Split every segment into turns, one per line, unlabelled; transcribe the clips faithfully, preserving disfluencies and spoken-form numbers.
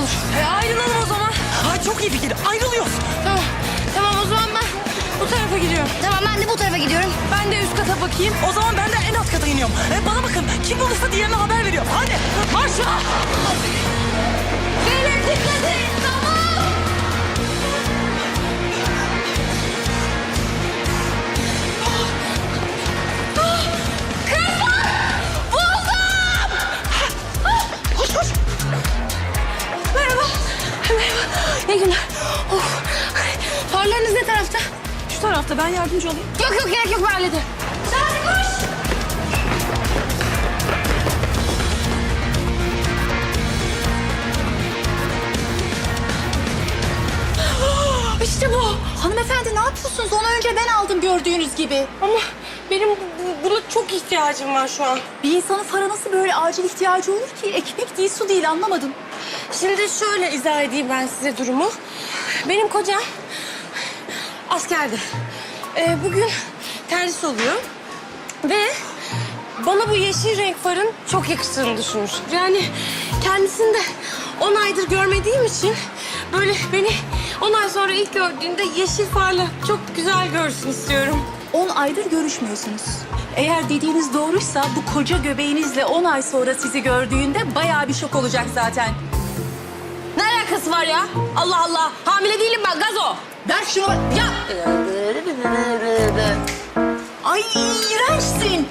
olur.
E, ayrılalım o zaman.
Ay çok iyi fikir. Ayrılıyoruz.
Tamam. Tamam o zaman ben bu tarafa gidiyorum.
Tamam ben de bu tarafa gidiyorum.
Ben de üst kata bakayım.
O zaman ben de en alt kata iniyorum. E, bana bakın. Kim bulursa diğerine haber veriyor. Hadi. Marşa.
Beyler dikkat edin. Tamam.
Koş koş.
Merhaba. Merhaba. İyi günler. Of. Farlarınız ne tarafta? Şu tarafta. Ben yardımcı olayım.
Yok yok gerek yok ben hallederim. Hadi koş.
İşte bu.
Hanımefendi ne yapıyorsunuz? Onu önce ben aldım gördüğünüz gibi.
Ama benim bu- bu- buna çok ihtiyacım var şu an.
Bir insanın para nasıl böyle acil ihtiyacı olur ki? Ekmek değil, su değil anlamadım.
Şimdi şöyle izah edeyim ben size durumu. Benim kocam askerde. Ee, bugün terhis oluyor. Ve bana bu yeşil renk farın çok yakıştığını düşünmüş. Yani kendisini de on aydır görmediğim için böyle beni on ay sonra ilk gördüğünde yeşil farla çok güzel görsün istiyorum.
On aydır görüşmüyorsunuz. Eğer dediğiniz doğruysa bu koca göbeğinizle on ay sonra sizi gördüğünde bayağı bir şok olacak zaten.
Ne alakası var ya? Allah Allah. Hamile değilim ben gazo.
Ver şunu. Ya. Ay iğrençsin.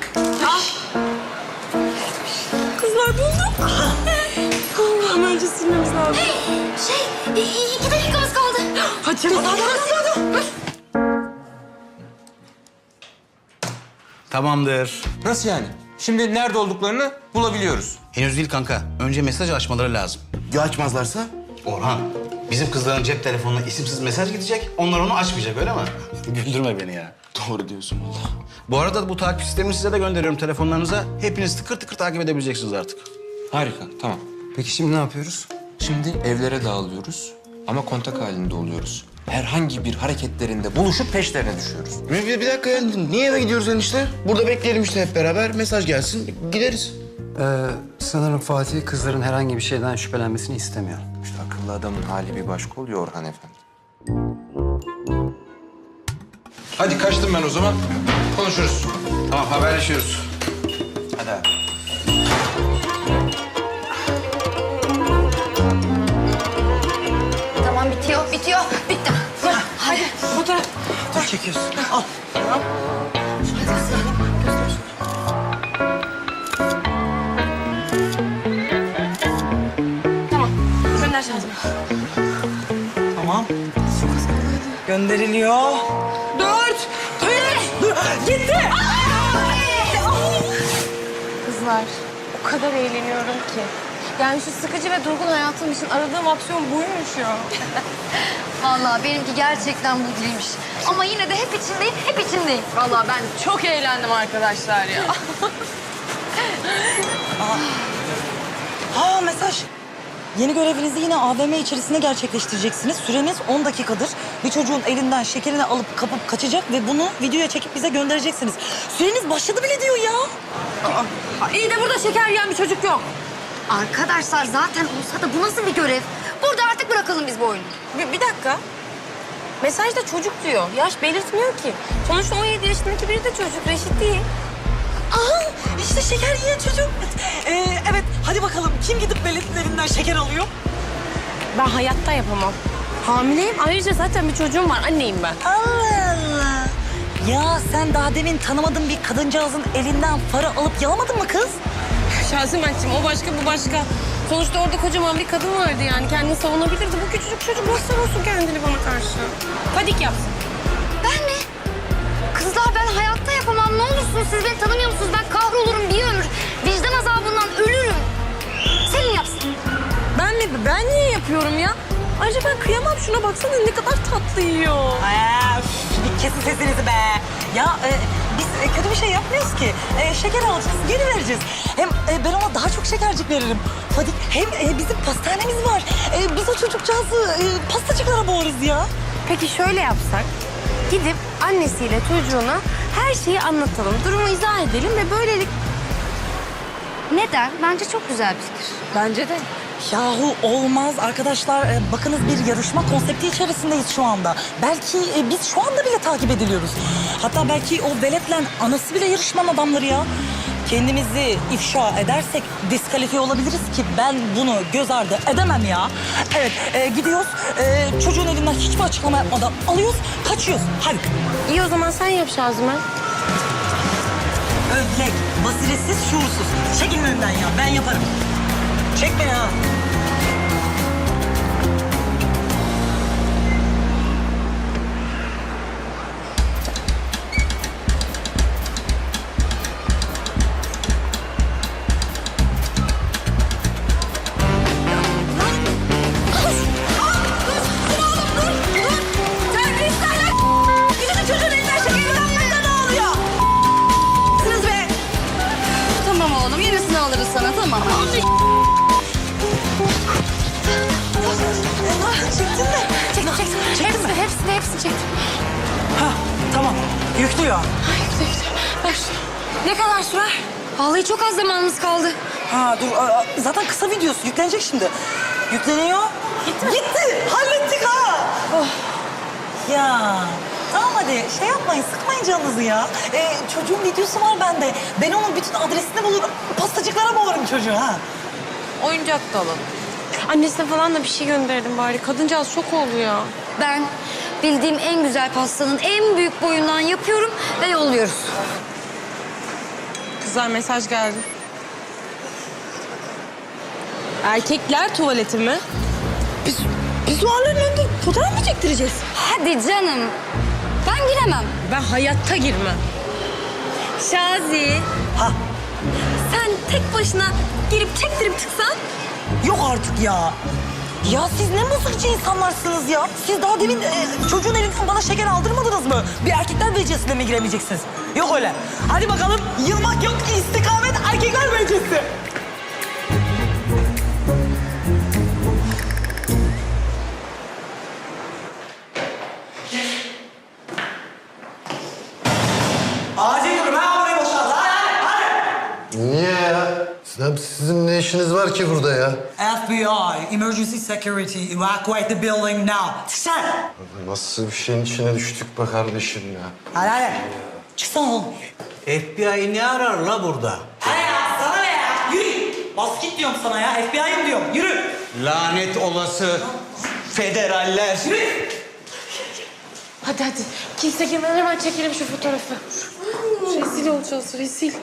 Kızlar buldum. Allah'ım önce silmemiz lazım.
Şey iki dakikamız kaldı.
Hadi hadi hadi.
Tamamdır.
Nasıl yani? Şimdi nerede olduklarını bulabiliyoruz.
Henüz değil kanka. Önce mesaj açmaları lazım.
Ya açmazlarsa?
Orhan, bizim kızların cep telefonuna isimsiz mesaj gidecek. Onlar onu açmayacak öyle mi? Güldürme beni ya.
Doğru diyorsun valla.
Bu arada bu takip sistemini size de gönderiyorum telefonlarınıza. Hepiniz tıkır tıkır takip edebileceksiniz artık.
Harika, tamam.
Peki şimdi ne yapıyoruz?
Şimdi evlere dağılıyoruz ama kontak halinde oluyoruz. Herhangi bir hareketlerinde buluşup peşlerine düşüyoruz.
Bir, bir, bir dakika ya. Niye eve gidiyoruz enişte? Burada bekleyelim işte hep beraber. Mesaj gelsin, gideriz.
Ee, sanırım Fatih kızların herhangi bir şeyden şüphelenmesini istemiyor.
İşte akıllı adamın hali bir başka oluyor Orhan Efendi. Hadi kaçtım ben o zaman. Konuşuruz.
Tamam, haberleşiyoruz.
Hadi abi.
Tamam bitiyor bitiyor. Bitti.
Hadi fotoğraf.
Dur çekiyorsun. Al.
Tamam. Gönder şansımı.
Tamam. Gönderiliyor.
Dört. Üç. Gitti. Kızlar o kadar eğleniyorum ki. Yani şu sıkıcı ve durgun hayatım için aradığım opsiyon buymuş ya.
Vallahi benimki gerçekten bu değilmiş. Ama yine de hep içindeyim, hep içindeyim.
Vallahi ben çok eğlendim arkadaşlar ya.
Ha mesaj. Yeni görevinizi yine A V M içerisinde gerçekleştireceksiniz. Süreniz on dakikadır. Bir çocuğun elinden şekerini alıp kapıp kaçacak ve bunu videoya çekip bize göndereceksiniz. Süreniz başladı bile diyor ya.
İyi de burada şeker yiyen bir çocuk yok.
Arkadaşlar zaten olsa da bu nasıl bir görev? Burada artık bırakalım biz bu oyunu.
Bir, bir dakika. Mesajda çocuk diyor. Yaş belirtmiyor ki. Sonuçta on yedi yaşındaki biri de çocuk. Reşit değil.
Aa işte şeker yiyen çocuk. Ee, evet hadi bakalım kim gidip belediyetlerinden şeker alıyor?
Ben hayatta yapamam. Hamileyim. Ayrıca zaten bir çocuğum var. Anneyim ben.
Allah Allah. Ya sen daha demin tanımadığın bir kadıncağızın elinden para alıp yalamadın mı kız?
Şazimenciğim o başka bu başka. Sonuçta orada kocaman bir kadın vardı yani. Kendini savunabilirdi. Bu küçücük çocuk nasıl savunsun kendini bana karşı? Panik yapsın.
Ben mi? Kızlar ben hayatta yapamam. Ne olursunuz siz beni tanımıyor musunuz? Ben kahrolurum bir ömür. Vicdan azabından ölürüm. Senin yapsın.
Ben mi? Ben niye yapıyorum ya? Ayrıca ben kıyamam. Şuna baksana ne kadar tatlı yiyor.
Ay, üf, bir kesin sesinizi be. Ya e, biz e, kötü bir şey yapmıyoruz ki. E, şeker alacağız, geri vereceğiz. Hem e, ben ona daha çok şekercik veririm. Hadi hem e, bizim pastanemiz var. E, biz o çocukcağızı e, pastacıklara boğarız ya.
Peki şöyle yapsak. Gidip annesiyle çocuğuna her şeyi anlatalım. Durumu izah edelim ve böylelik...
Neden? Bence çok güzel bir fikir.
Bence de.
Yahu olmaz arkadaşlar. Ee, bakınız bir yarışma konsepti içerisindeyiz şu anda. Belki e, biz şu anda bile takip ediliyoruz. Hatta belki o veletle anası bile yarışmanın adamları ya. Kendimizi ifşa edersek diskalifiye olabiliriz ki ben bunu göz ardı edemem ya. Evet e, gidiyoruz. E, çocuğun elinden hiçbir açıklama yapmadan alıyoruz, kaçıyoruz. Hadi.
İyi o zaman sen yap Şazimen.
Ödlek, basiretsiz, şuursuz. Çekin önümden ya, ben yaparım. Çek beni ha.
Tamam oğlum yenisini alırız sana tamam.
Çektin mi?
Çek çek çek. Hepsini hepsini hepsini çek.
Ha, tamam. Yüklüyor.
Ver şunu. Ne kadar sürer?
Vallahi çok az zamanımız kaldı.
Ha dur, aa, zaten kısa videosu yüklenecek şimdi. Yükleniyor. Gitti mi? Gitti. Hallettik ha. Oh. Ya tamam hadi şey yapmayın, sıkmayın canınızı ya. Ee, çocuğun videosu var bende. Ben onun bütün adresini bulurum. Pastacıklara boğarım çocuğu ha.
Oyuncak da alalım. Annesine falan da bir şey gönderelim bari. Kadıncağız şok oldu ya.
Ben bildiğim en güzel pastanın en büyük boyundan yapıyorum ve yolluyoruz.
Kızlar mesaj geldi. Erkekler tuvaleti mi? Biz, biz duvarların önünde fotoğraf mı çektireceğiz?
Hadi canım. Ben giremem.
Ben hayatta girmem. Şazi,
Ha
sen tek başına girip çektirip çıksan?
yok artık ya. Ya siz ne mızıkçı insanlarsınız ya. Siz daha demin e, çocuğun elinden bana şeker aldırmadınız mı? Bir erkekler becesine mi giremeyeceksiniz? Yok öyle. Hadi bakalım yılmak yok, istikamet erkekler becesi. Acil durum ha, burayı boşalt. Hadi hadi.
Niye ya? Sen, sizin ne işiniz var ki burada ya?
F B I, emergency security, evacuate the building now. Çıksana.
Nasıl bir şeyin içine düştük be kardeşim ya?
Hadi hadi. Çıksana oğlum.
F B I ne arar la burada?
Hadi ya, sana ne ya? Yürü. Bas git diyorum sana ya, F B I'yim diyorum. Yürü.
Lanet olası federaller.
Yürü.
Hadi hadi. Kimse girmeden hemen çekelim şu fotoğrafı. Rezil olacağız, rezil.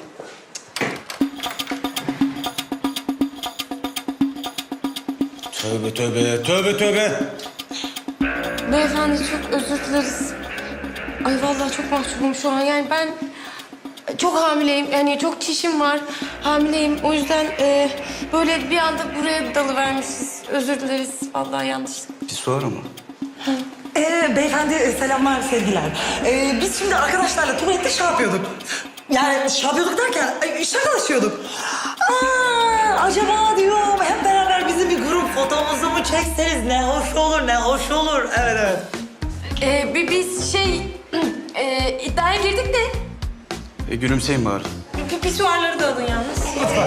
Tövbe tövbe, tövbe tövbe.
Beyefendi çok özür dileriz. Ay vallahi çok mahcubum şu an. Yani ben çok hamileyim. Yani çok çişim var. Hamileyim. O yüzden e, böyle bir anda buraya dalıvermişiz. Özür dileriz. Vallahi yanlışlık.
Bir soru mu?
Ee, beyefendi e, selamlar, sevgiler. Ee, biz şimdi arkadaşlarla tuvalette şey yapıyorduk. Yani şey yapıyorduk derken ay, şakalaşıyorduk. Aa, acaba diyorum hep beraber bizim bir grup fotomuzu mu çekseniz ne hoş olur, ne hoş olur. Evet, evet.
E, bi- biz şey e, iddiaya girdik de
E, gülümseyin bari.
pi- pisuarları da alın yalnız.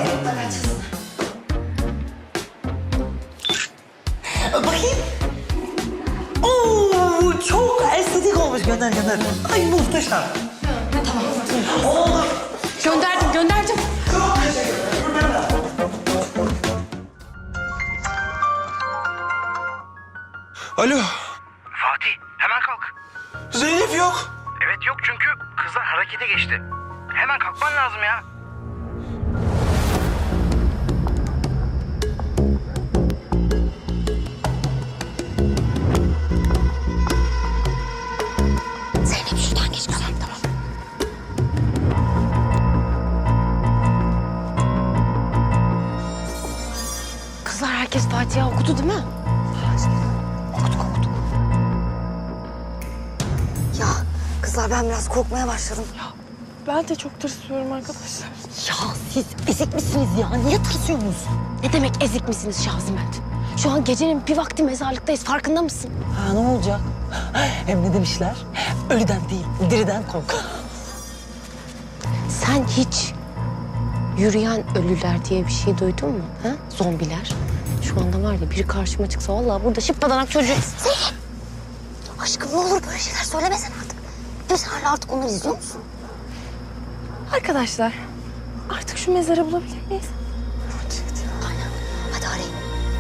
Bakayım. Oo, çok estetik olmuş. Gönder, gönder. Ay muhteşem. Tamam. Oldu.
Gönderdim, gönderdim.
Çok teşekkür ederim.
Alo.
Fatih hemen kalk.
Zeynep yok.
Evet yok çünkü kızlar harekete geçti. Hemen kalkman lazım ya.
Zeynep şuradan geç kızım tamam.
Kızlar herkes Fatiha okudu değil mi?
Okuduk okuduk. Ya kızlar ben biraz korkmaya başladım.
Ben de çok tırsıyorum arkadaşlar.
Ya siz ezik misiniz ya? Niye tırsıyorsunuz?
Ne demek ezik misiniz Şaziment? Şu an gecenin bir vakti mezarlıktayız. Farkında mısın?
Ha ne olacak? Hem ne demişler? Ölüden değil, diriden kork.
Sen hiç yürüyen ölüler diye bir şey duydun mu? Ha? Zombiler. Şu anda var ya biri karşıma çıksa vallahi burada şıppadanak çocuğu.
Aşkım ne olur böyle şeyler söylemesen artık. Biz hala artık onları izliyor musun?
Arkadaşlar artık şu mezarı bulabilir miyiz?
Aynen. Hadi arayın.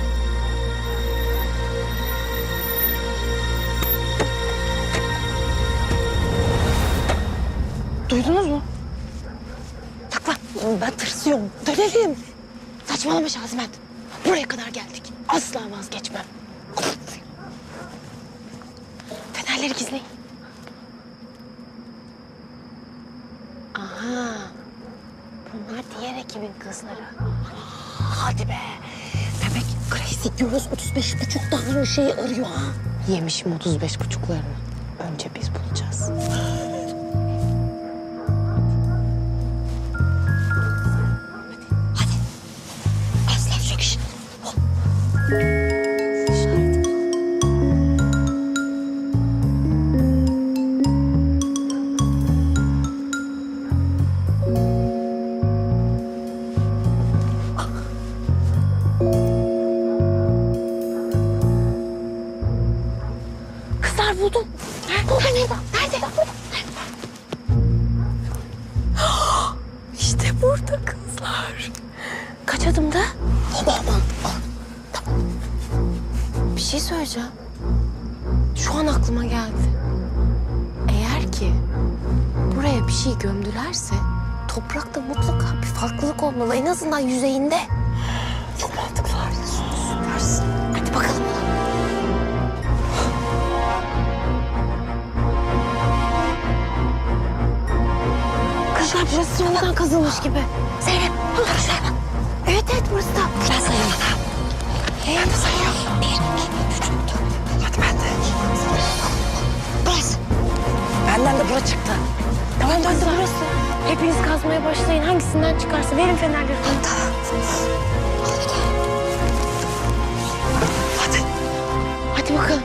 Duydunuz mu?
Takla. Ben tırsıyorum. Dönelim. Saçmalama Şazimet. Buraya kadar geldik. Asla vazgeçmem.
Fenerleri gizleyin.
Aha. Bunlar diğer ekibin kızları. Hadi be. Demek Crazy Girls otuz beş buçuk tane şeyi arıyor ha.
Yemişim otuz beş buçuklarını. Önce biz bulacağız.
Hadi. Aslan söküş. Hop.
Kızlar buldum.
Burada nerede? Nerede?
İşte burada kızlar. Kaç adımda?
Baba aman.
Bir şey söyleyeceğim. Şu an aklıma geldi. Eğer ki buraya bir şey gömdülerse toprakta mutlaka bir farklılık olmalı. En azından yüzeyinde.
Çok mantıklı arıyorsun. Süpersin. Hadi bakalım.
Kızlar burası sonradan kazılmış gibi.
Zeynep. Dur Zeynep.
Evet evet burası da.
Ben sayıyorum. Ben de sayıyorum. Bir, iki, üç, dört. Hadi ben de. Burası. Benden de bura çıktı.
Tamam burası burası. Hepiniz kazmaya başlayın. Hangisinden çıkarsa verin fenerleri.
Tamam. Hadi.
Hadi bakalım.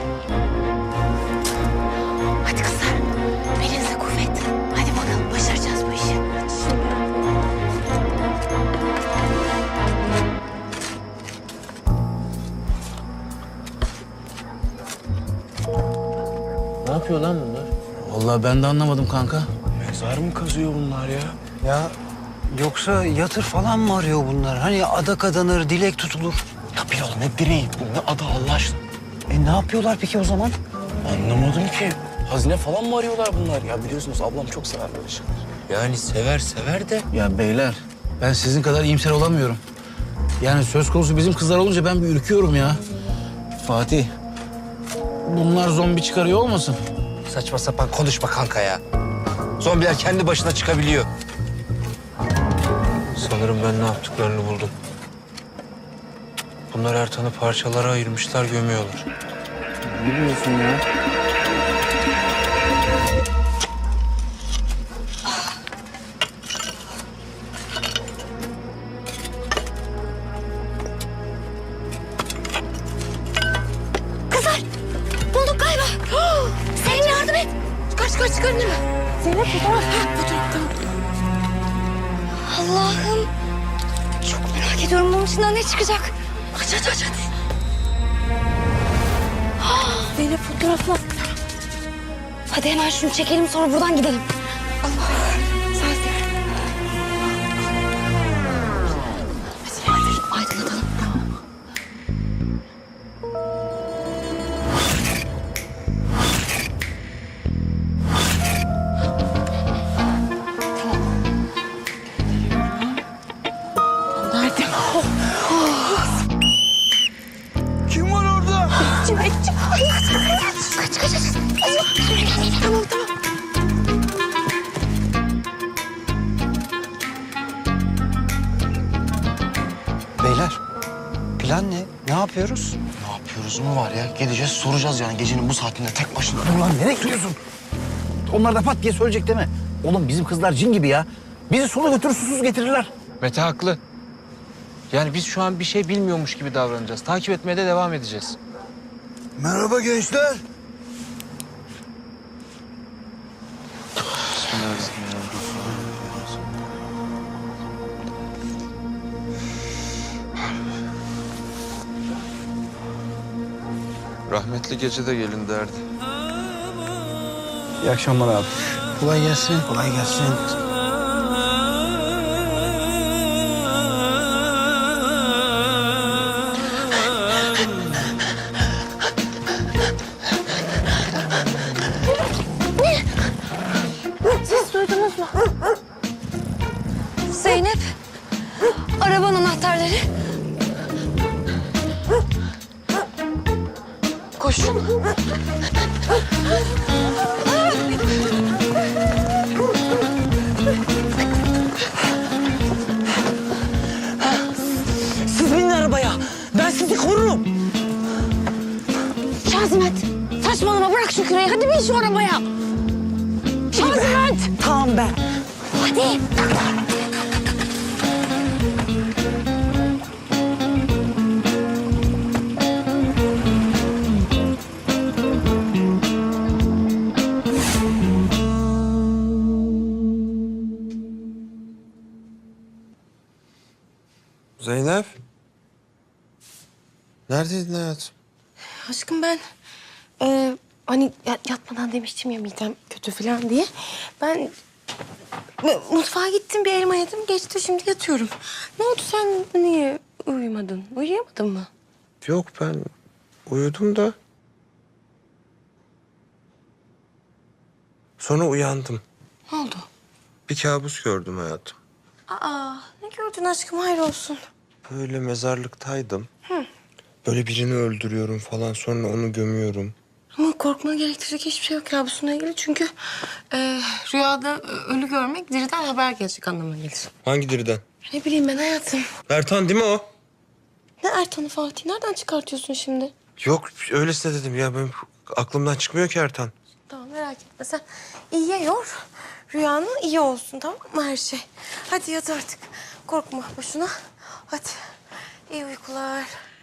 Hadi kızlar. Belinize kuvvet. Hadi bakalım başaracağız bu işi.
Ne yapıyor lan bunlar?
Vallahi ben de anlamadım kanka.
Mezar mı kazıyor bunlar ya?
Ya yoksa yatır falan mı arıyor bunlar? Hani adak adanır, dilek tutulur.
Tabii oğlum ne direği bu ne adı Allah aşkına.
E ne yapıyorlar peki o zaman?
Anlamadım ki. Hazine falan mı arıyorlar bunlar? Ya biliyorsunuz ablam çok sever böyle şeyler. Yani sever sever de.
Ya beyler ben sizin kadar iyimser olamıyorum. Yani söz konusu bizim kızlar olunca ben bir ürküyorum ya. Fatih, bunlar zombi çıkarıyor olmasın?
Saçma sapan konuşma kanka ya. Zombiler kendi başına çıkabiliyor. Sanırım ben ne yaptıklarını buldum. Bunlar Ertan'ı parçalara ayırmışlar, gömüyorlar.
Ne diyorsun ya?
Kızlar. Bulduk galiba. Senin yardım et.
Çıkar çıkar çıkar değil mi? Zeynep fotoğraf. Ha fotoğraf tamam.
Allah'ım. Çok merak ediyorum bunun içinden ne çıkacak. Aç aç aç hadi.
Zeynep fotoğrafla.
Hadi hemen şunu çekelim sonra buradan gidelim.
Allah. Sensin.
Hadi aydınlatalım. Tamam.
Nerede?
Kim var orada?
Çimek çık.
Kaç kaç kaç.
Tamam tamam.
Beyler plan ne? Ne yapıyoruz?
Ne yapıyoruz mu var ya? Gideceğiz soracağız yani gecenin bu saatinde tek başına.
Ulan nereye gidiyorsun? Onlar da pat diye söyleyecek değil mi? Oğlum bizim kızlar cin gibi ya. Bizi sulu götürür susuz getirirler.
Mete haklı. Yani biz şu an bir şey bilmiyormuş gibi davranacağız. Takip etmeye de devam edeceğiz.
Merhaba gençler.
Rahmetli gece de gelin derdi.
İyi akşamlar abi. Kolay gelsin. Kolay gelsin.
Siz duydunuz mu? Zeynep, arabanın anahtarları. Koşun.
Siz binin arabaya. Ben sizi korurum.
Şazimet, saçmalama bırak şu küreği. Hadi bin şu arabaya. Şazimet.
Tamam be.
Hadi.
Zeynep. Neredeydin hayatım?
Aşkım ben e, hani ya- yatmadan demiştim ya midem kötü falan diye. Ben m- mutfağa gittim bir elma yedim geçti şimdi yatıyorum. Ne oldu sen niye uyumadın? Uyuyamadın mı?
Yok ben uyudum da. Sonra uyandım.
Ne oldu?
Bir kabus gördüm hayatım.
Aa ne gördün aşkım hayır olsun.
Böyle mezarlıktaydım. Böyle birini öldürüyorum falan sonra onu gömüyorum.
Ama korkmana gerektirecek hiçbir şey yok kabusuna ilgili. Çünkü e, rüyada ölü görmek diriden haber gelecek anlamına gelir.
Hangi diriden?
Ne bileyim ben hayatım.
Ertan değil mi o?
Ne Ertan'ı Fatih? Nereden çıkartıyorsun şimdi?
Yok öylesine dedim ya benim aklımdan çıkmıyor ki Ertan.
Tamam merak etme sen iyiye yor. Rüyanın iyi olsun tamam mı her şey? Hadi yat artık. Korkma boşuna. Hadi. İyi uykular.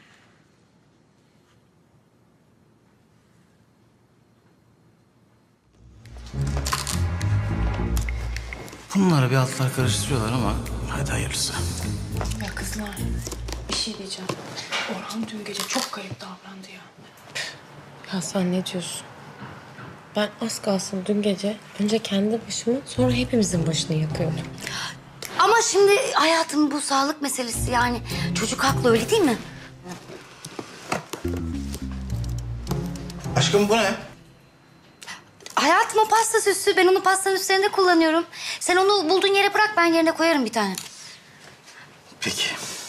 Bunları bir altlar karıştırıyorlar ama hadi hayırlısı.
Ya kızlar bir şey diyeceğim. Orhan dün gece çok garip davrandı ya.
Ya sen ne diyorsun? Ben az kalsın dün gece önce kendi başımı sonra hepimizin başını yakıyordum.
Ama şimdi hayatım bu sağlık meselesi yani. Çocuk haklı öyle değil mi?
Aşkım bu ne?
Hayatım o pasta süsü. Ben onu pastanın üstlerinde kullanıyorum. Sen onu bulduğun yere bırak ben yerine koyarım bir tane.
Peki.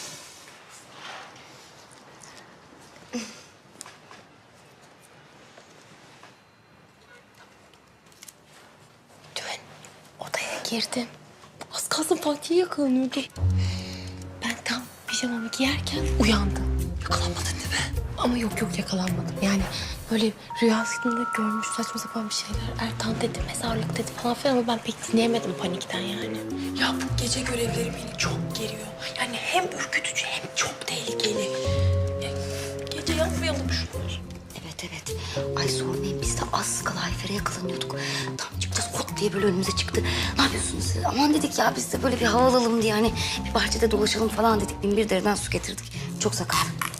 Dün odaya girdim. Az kalsın Fatih'e yakalanıyordum. Ben tam pijamamı giyerken uyandım. Yakalanmadın değil mi? Ama yok yok yakalanmadım. Yani böyle rüyasında görmüş saçma sapan bir şeyler. Ertan dedi, mezarlık dedi falan filan ama ben pek dinleyemedim panikten yani.
Ya bu gece görevleri beni çok geriyor. Yani hem ürkütücü hem çok tehlikeli. Ya, gece yapmayalım şunları.
Evet evet. Ay sormayın biz de az kala Ayfer'e yakalanıyorduk. Tam çıkacağız kot diye böyle önümüze çıktı. Ne yapıyorsunuz siz? Aman dedik ya biz de böyle bir hava alalım diye hani bir bahçede dolaşalım falan dedik. Bin bir dereden su getirdik. Çok sakar.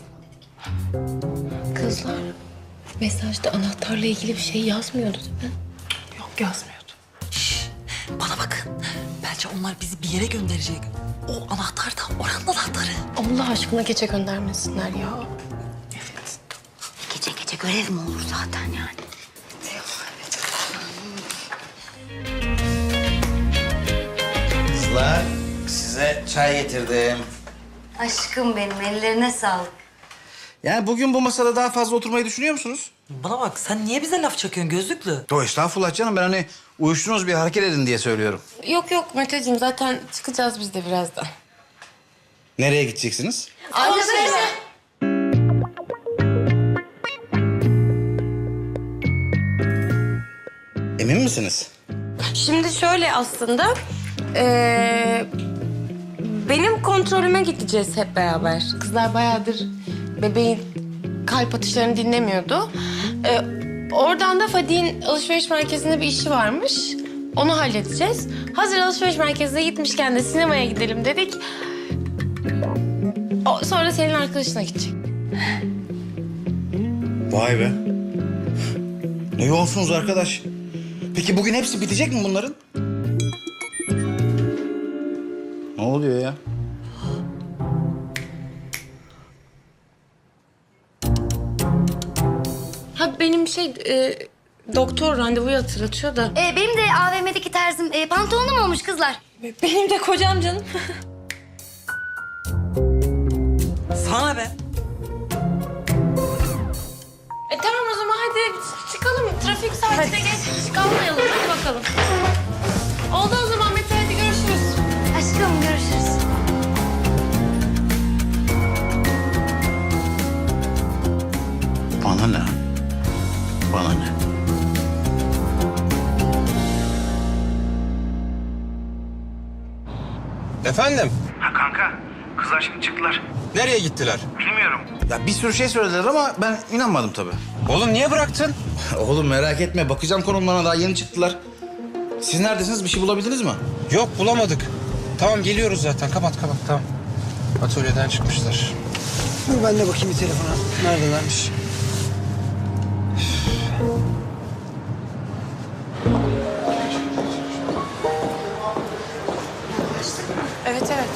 Kızlar mesajda anahtarla ilgili bir şey yazmıyordu değil mi?
Yok yazmıyordu.
Bana bakın. Bence onlar bizi bir yere gönderecek. O anahtar da oranın anahtarı.
Allah aşkına gece göndermesinler ya.
Gece gece görev mi olur zaten yani?
Kızlar size çay getirdim.
Aşkım benim ellerine sağlık.
Yani bugün bu masada daha fazla oturmayı düşünüyor musunuz?
Bana bak sen niye bize laf çakıyorsun gözlüklü?
Yo estağfurullah canım ben hani uyuştunuz bir hareket edin diye söylüyorum.
Yok yok Meteciğim zaten çıkacağız biz de birazdan.
Nereye gideceksiniz?
Alışverişe.
Emin misiniz?
Şimdi şöyle aslında eee, benim kontrolüme gideceğiz hep beraber. Kızlar bayağıdır bebeğin kalp atışlarını dinlemiyordu. Eee, oradan da Fadik'in alışveriş merkezinde bir işi varmış. Onu halledeceğiz. Hazır alışveriş merkezine gitmişken de sinemaya gidelim dedik. O, sonra senin arkadaşına gidecek.
Vay be. Ne yoğunsunuz arkadaş. Peki bugün hepsi bitecek mi bunların? Ne oluyor ya?
Ha benim şey e, doktor randevuyu hatırlatıyor da.
Ee, benim de A V M'deki terzim e, pantolonum olmuş kızlar.
Benim de kocam canım.
Sana be.
E tamam o zaman hadi çıkalım. Trafik saatine geç kalmayalım. Hadi bakalım. Oldu o zaman Mete, hadi görüşürüz.
Aşkım görüşürüz.
Bana ne? Bana ne?
Efendim?
Ha kanka, kızlar şimdi çıktılar.
Nereye gittiler?
Bilmiyorum.
Ya bir sürü şey söylediler ama ben inanmadım tabii.
Oğlum niye bıraktın?
Oğlum merak etme, bakacağım konumlarına, daha yeni çıktılar. Siz neredesiniz? Bir şey bulabildiniz mi?
Yok bulamadık. Tamam geliyoruz zaten. Kapat kapat tamam. Atölyeden çıkmışlar.
Dur ben de bakayım bir telefona. Neredelermiş?
Evet evet.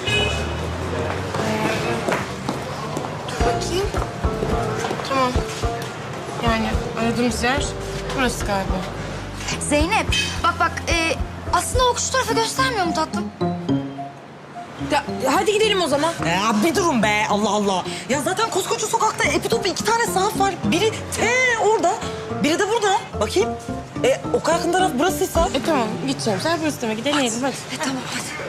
Dur bakayım. Tamam. Yani aradığımız yer burası galiba.
Zeynep bak bak e, aslında o şu tarafa göstermiyor mu tatlım?
Ya, hadi gidelim o zaman.
Ya bir durun be, Allah Allah. Ya zaten koskoca sokakta epitopu iki tane sahaf var. Biri te orada, biri de burada. Bakayım. E, o kadar yakın taraf burasıysa.
E tamam gideceğim. Sen burası demek ki deneyelim hadi.
E, tamam hadi.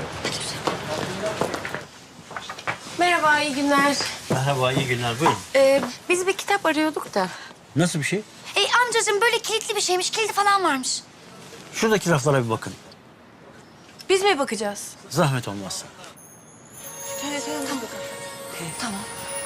Merhaba, iyi günler.
Merhaba, iyi günler. Buyurun.
Ee, biz bir kitap arıyorduk da.
Nasıl bir şey?
E, amcacığım böyle kilitli bir şeymiş, kilidi falan varmış.
Şuradaki raflara bir bakın.
Biz mi bakacağız?
Zahmet olmazsa.
Evet, evet. Tamam.
Tamam.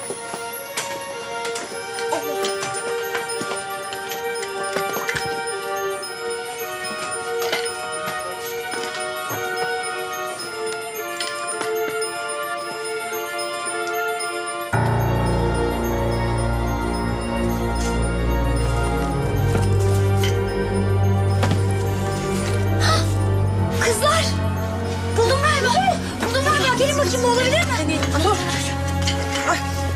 Kızlar! Buldum galiba. Buldum galiba. Gelin bakayım, bu olabilir mi? Dur.
Aç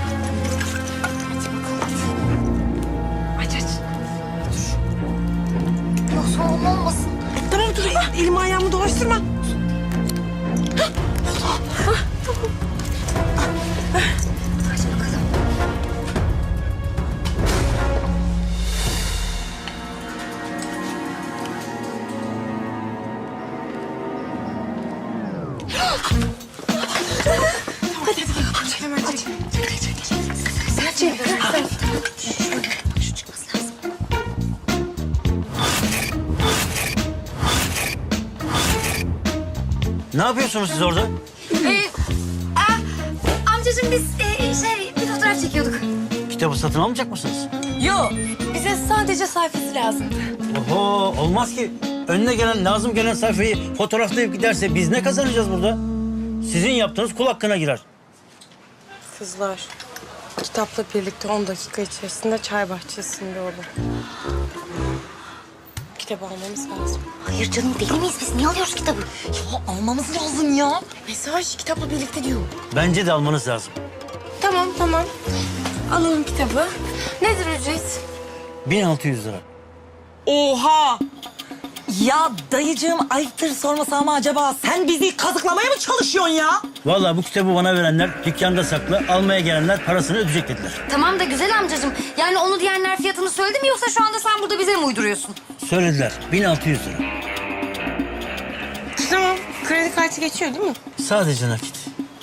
aç.
Yoksa oğlum olmasın.
Tamam dur, elimi ayağımı dolaştırma.
Aç bakalım.
Hemen çek. Sen çek. Sen.
Bak şu çıkması lazım.
Ne yapıyorsunuz siz orada?
Ee, a, amcacığım biz e, şey bir fotoğraf çekiyorduk.
Kitabı satın almayacak mısınız?
Yok, bize sadece sayfası lazım.
Oho, olmaz ki. Önüne gelen, lazım gelen sayfayı fotoğraflayıp giderse biz ne kazanacağız burada? Sizin yaptığınız kul hakkına girer.
Kızlar, kitapla birlikte on dakika içerisinde çay bahçesinde olun. Kitabı almamız lazım.
Hayır canım, deli miyiz biz? Niye alıyoruz kitabı?
Ya almamız lazım ya.
Mesaj kitapla birlikte diyor.
Bence de almanız lazım.
Tamam, tamam. Alalım kitabı. Nedir ücret?
bin altı yüz lira.
Oha! Ya dayıcığım ayıptır sormasa ama acaba sen bizi kazıklamaya mı çalışıyorsun ya?
Vallahi bu kitabı bana verenler dükkanda saklı, almaya gelenler parasını ödeyecek dediler.
Tamam da güzel amcacığım. Yani onu diyenler fiyatını söyledi mi, yoksa şu anda sen burada bize mi uyduruyorsun?
Söylediler, bin altı yüz lira.
Tamam, kredi kartı geçiyor değil mi?
Sadece nakit.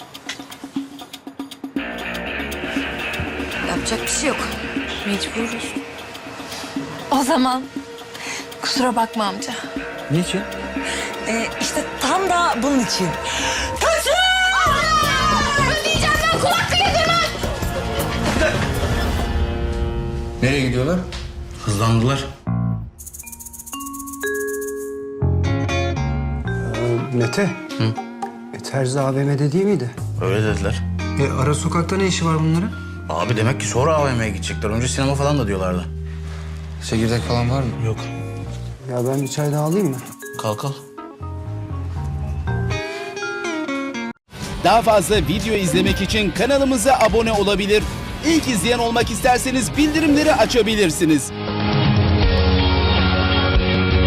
Yapacak bir şey yok.
Mecburuz. O zaman kusura bakma amca.
Niçin?
Ee, işte tam da bunun için.
Ödeyeceğim ben, kulak bile demem.
Nereye gidiyorlar? Hızlandılar.
Mete.
Hı?
E, Terzi A V M'de değil miydi?
Öyle dediler.
E, ara sokakta ne işi var bunların?
Abi demek ki sonra A V M'ye gidecekler. Önce sinema falan da diyorlardı.
Çekirdek falan var mı?
Yok.
Ya ben bir çay daha alayım mı?
Kalk al.
Daha fazla video izlemek için kanalımıza abone olabilir. İlk izleyen olmak isterseniz bildirimleri açabilirsiniz.